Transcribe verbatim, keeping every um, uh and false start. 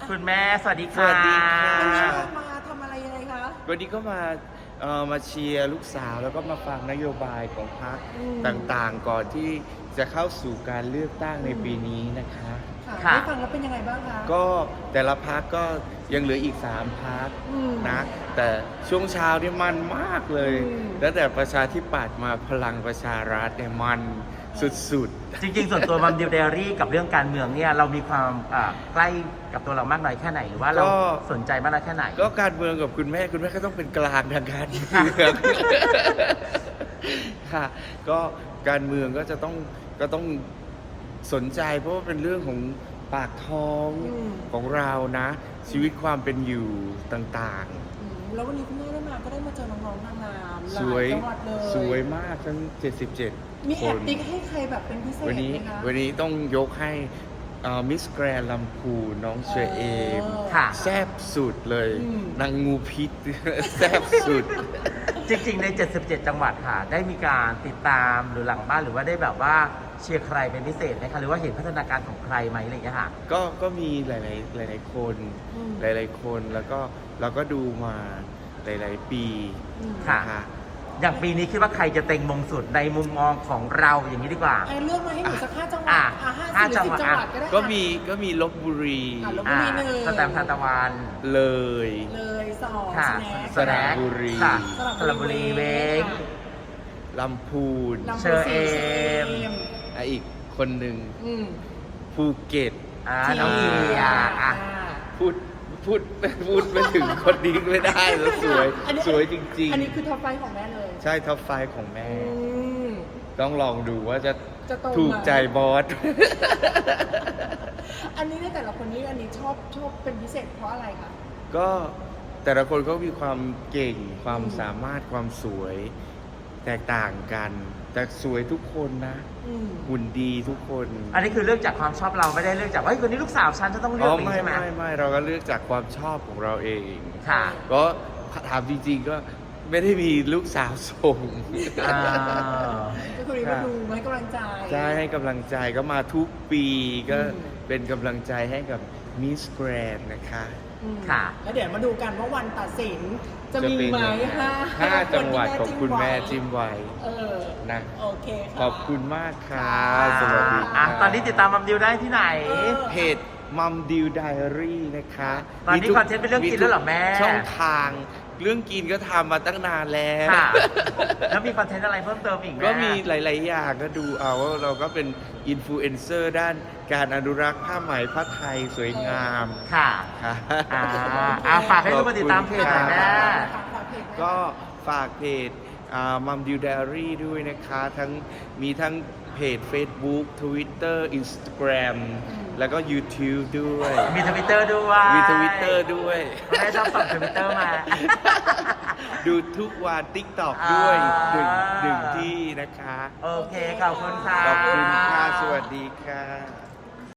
คุณแม่สวัสดีสค่ะวัสดีค่ะวันนี้เรามาทำอะไรยังไงคะวันนี้ก็มาเอ่อมาเชียร์ลูกสาวแล้วก็มาฟังนโยบายของพรรคอืมต่างๆ ก่อนที่จะเข้าสู่การเลือกตั้งในปีนี้นะคะค่ะค่ะได้ฟังแล้วเป็นยังไงบ้างคะก็แต่ละพรรคก็ยังเหลืออีกสามพรรคอืมนะแต่ช่วงเช้านี่มันมากเลยอืมตั้งแต่ประชาธิปัตย์มาพลังประชารัฐเนี่ยมันสุดจริงๆ ส่วนตัวมัมดิวเดรี่กับเรื่องการเมืองเนี่ยเรามีความอ่าใกล้กับตัวเรามากน้อยแค่ไหนหรือว่าเราสนใจมากน้อยแค่ไหนๆ ก็การเมืองกับคุณแม่คุณแม่ก็ต้องเป็นกลางทางการเมือง ค่ะก็การเมืองก็จะต้องก็ต้องสนใจเพราะว่าเป็นเรื่องของปากท้องอืมของเรานะ ชีวิตความเป็นอยู่ต่างอืมแล้ววันนี้คุณแม่ได้มาก็ได้มาเจอน้องๆนางงามหๆลาสวยจังหวัดเลยสวยมากทั้งเจ็ดสิบเจ็ดมีคแอบนติ๊กให้ใครแบบเป็นพิเศษวันนี้ไหมคะวันนี้ต้องยกให้มิสแกรนลำพูนน้องเชอเอมค่ะแซบสุดเลยอืมนางงูพิษ แซบสุดจริงๆ ใน เจ็ดสิบเจ็ด จังหวัดค่ะ ได้มีการติดตามหรือหลังบ้านหรือว่าได้แบบว่าเชียร์ใครเป็นพิเศษไหมคะหรือว่าเห็นพัฒนาการของใครไหมอะไรอย่างเงี้ยค่ะก็ก็มีหลาย ๆ หลาย ๆ คนอืมหลาย ๆ คนแล้วก็เราก็ดูมาหลาย ๆ ปีอืมค่ะนะคะอย่างปีนี้คิดว่าใครจะเต็งมงสุดในมุมมองของเราอย่างนี้ดีกว่าไอ้เลือกมาให้หนูสักห้าจังหวัดอ่ะอ่ะห้าห้าสี่หรือสิบจัจังงหหวัวัดดก็ได้ก็มีก็มีลบบุรีอ่ะลบอ่ามีหนึ่งสแตมป์ทานตะวันเลยเลยสองค่ะสแน็คสระบุรีค่ะสสระระบุบุรีรีเวงค่ะลำพูนลำพูนเชอเอมอ่ะอีกคนหนึ่งอืมภูเก็ตอ่าน้องเทียอ่ะพูดพูดพูดไม่ถึงคนนี้ไม่ได้แล้วสวยอันนี้สวยจริงอันนี้คือท็อปไฟว์ของแม่เลยๆ ใช่ท็อปไฟว์ของแม่อืมต้องลองดูว่าจะจะตรงถูกไหมใจบอสอันนี้ในแต่ละคนนี้อันนี้ชอบชอบเป็นพิเศษเพราะอะไรคะก็แต่ละคนก็มีความเก่งความอืมสามารถความสวยแตกต่างกัน แต่สวยทุกคนนะอืมหุ่นดีทุกคนอันนี้คือเลือกจากความชอบเราไม่ได้เลือกจากว่าเฮ้ยคนนี้ลูกสาวฉันจะต้องเลือ๋อกออย่างไม่นี้ใช่ไหมไม่ไม่เราก็เลือกจากความชอบของเราเองค่ะก็ถามจริงๆก็ไม่ได้มีลูกสาวส่งอ่าก็คือมาดูมาให้กำลังใจใช่ให้กำลังใจก็มาทุกปีก็อืมเป็นกำลังใจให้กับมิสแกรนนะคะอืมค่ะแล้วเดี๋ยวมาดูกันว่าวันตัดสินจะจะมีเป็นไหมยังไงห้าห้าคนจังหวัดที่ของคุณแม่ไว้จิ้มไว้เออนะโอเคค่ะขอบคุณมากค่ะค่ะสวัสดีอ่ะค่ะตอนนี้ติดตามมัมดิวได้ที่ไหนเออเพจมัมดิวไดอารี่นะคะตอนนี้ทุกคอนเทนต์เป็นเรื่องกินแล้วเหรอแม่ช่องทางเรื่องกินก็ทำมาตั้งนานแล้วค่ะ แล้วมีคอนเทนต์อะไรเพิ่มเติมอีกไหมก็มีหลาย ๆ อย่างก็ดูเอาว่าเราก็เป็นอินฟลูเอนเซอร์ด้านการอนุรักษ์ผ้าไหมผ้าไทยสวยงามค่ะค่ะอ่าอ่าฝากให้ทุกคนติดตามเพจหน่อยแม่ก็ฝากเพจมัมดิวไดอารี่ด้วยนะคะ ทั้งมีทั้งเพจ Facebook Twitter Instagram แล้วก็ YouTube ด้วยมีทวิตเตอร์ด้วยมี Twitter ด้วยแม่ชอบส่งทวิตเตอร์มาดูทุกวัน TikTok ด้วยหนึ่งอ่าหนึ่งที่นะคะโอเค ขอบคุณค่ะขอบคุณค่ะ สวัสดีค่ะ